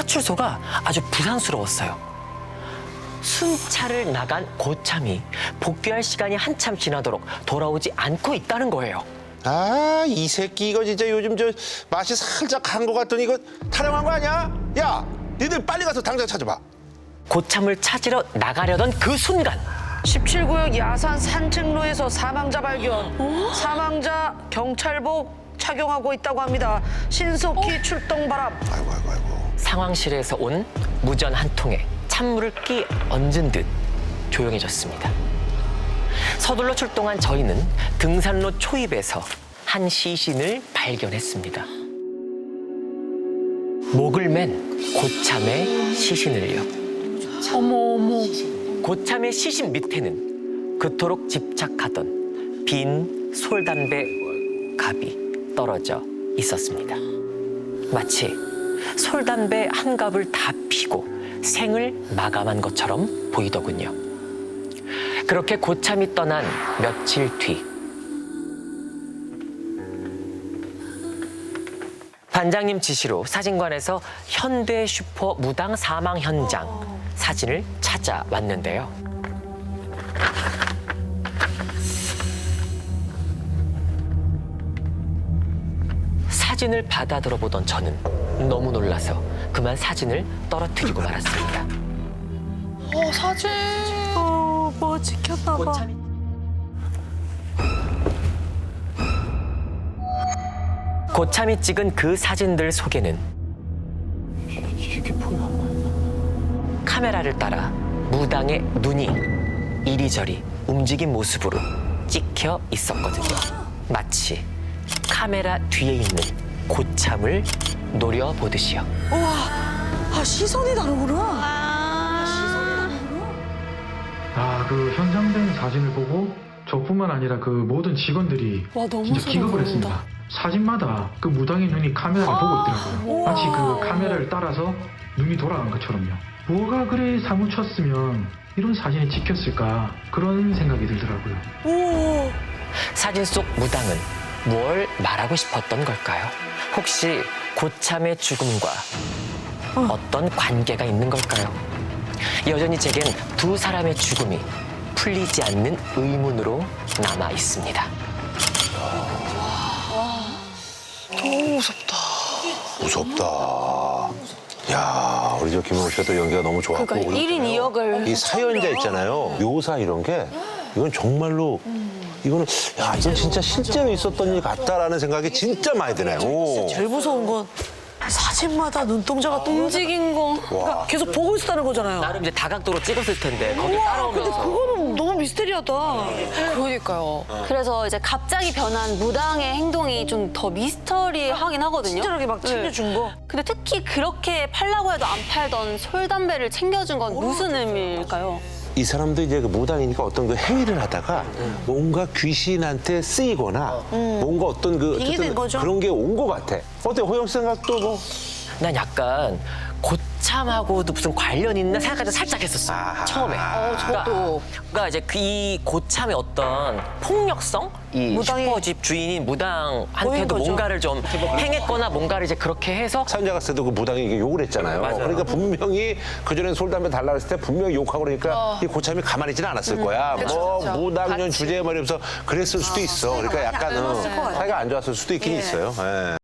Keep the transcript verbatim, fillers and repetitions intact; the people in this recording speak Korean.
파출소가 아주 부산스러웠어요. 순찰을 나간 고참이 복귀할 시간이 한참 지나도록 돌아오지 않고 있다는 거예요. 아, 이 새끼 이거 진짜 요즘 저 맛이 살짝 간 것 같더니 이거 타령한 거 아니야? 야, 니들 빨리 가서 당장 찾아봐. 고참을 찾으러 나가려던 그 순간 십칠 구역 야산 산책로에서 사망자 발견. 사망자 경찰복 착용하고 있다고 합니다. 신속히 출동 바람. 아이고, 아이고, 아이고. 상황실에서 온 무전 한 통에 찬물을 끼 얹은 듯 조용해졌습니다. 서둘러 출동한 저희는 등산로 초입에서 한 시신을 발견했습니다. 목을 맨 고참의 시신을요. 어머 어머. 고참의 시신 밑에는 그토록 집착하던 빈 솔담배 갑이 떨어져 있었습니다. 마치 솔담배 한 갑을 다 피고 생을 마감한 것처럼 보이더군요. 그렇게 고참이 떠난 며칠 뒤 반장님 지시로 사진관에서 현대 슈퍼 무당 사망 현장 사진을 찾아왔는데요. 사진을 받아 들어보던 저는 너무 놀라서 그만 사진을 떨어뜨리고 말았습니다. 어 사진. 어뭐 지켰나 봐. 고참이 고참이 찍은 그 사진들 속에는 이게 뭐야? 카메라를 따라 무당의 눈이 이리저리 움직인 모습으로 찍혀 있었거든요. 마치 카메라 뒤에 있는 고참을 노려보듯이요. 우와. 아 시선이 다르구나. 아, 그 현상된 사진을 보고 저뿐만 아니라 그 모든 직원들이 와, 너무 진짜 소름 기겁을 돋는다. 했습니다. 사진마다 그 무당의 눈이 카메라를 보고 있더라고요. 마치 그 카메라를 따라서 눈이 돌아간 것처럼요. 뭐가 그래 사무쳤으면 이런 사진이 찍혔을까 그런 생각이 들더라고요. 오. 사진 속 무당은 뭘 말하고 싶었던 걸까요? 혹시 고참의 죽음과 어떤 관계가 있는 걸까요? 여전히 제겐 두 사람의 죽음이 풀리지 않는 의문으로 남아 있습니다. 너무 무섭다. 무섭다. 야, 우리 저 김용호 씨가 또 연기가 너무 좋았고. 그러니까 그리고 일 인 이 역을 이 사연자 있잖아요. 묘사 이런 게 이건 정말로 이거는 야, 이건 진짜 실제로 있었던 일 같다라는 생각이 진짜 많이 드네요. 오. 제일 무서운 건 사진마다 눈동자가 또 움직인 거. 그러니까 계속 보고 있었다는 거잖아요. 나름 이제 다각도로 찍었을 텐데 거기 우와, 근데 따라오면서 그거는 너무 미스테리하다. 그러니까요. 그래서 이제 갑자기 변한 무당의 행동이 좀 더 미스터리하긴 하거든요. 친절하게 막 네. 챙겨준 거. 근데 특히 그렇게 팔라고 해도 안 팔던 솔담배를 챙겨준 건 무슨 의미일까요? 이 사람도 이제 그 무당이니까 어떤 그 행위를 하다가 뭔가 귀신한테 쓰이거나 뭔가 어떤 그 빙의된 어쨌든 거죠? 그런 게 온 것 같아. 어때 호영 씨 생각도 뭐? 난 약간 고참하고도 무슨 관련 있나 생각까지 살짝 했었어. 아하. 처음에. 어, 저도. 그러니까, 그러니까 이제 그 이 고참의 어떤 폭력성? 이 무당이 슈퍼집 주인인 보인 무당한테도 거죠. 뭔가를 좀 행했거나 뭔가를 이제 그렇게 해서 사연자 갔을 때도 그 무당이 이게 욕을 했잖아요. 맞아요. 그러니까 분명히 그전에 솔담배 달라 그랬을 때 분명히 욕하고 그러니까 이 고참이 가만히 있지는 않았을 거야. 뭐 무당년 주제에 말이면서 그랬을 수도 있어. 그러니까 약간 은 사이가 안 좋았을 수도 있긴 있어요. 예.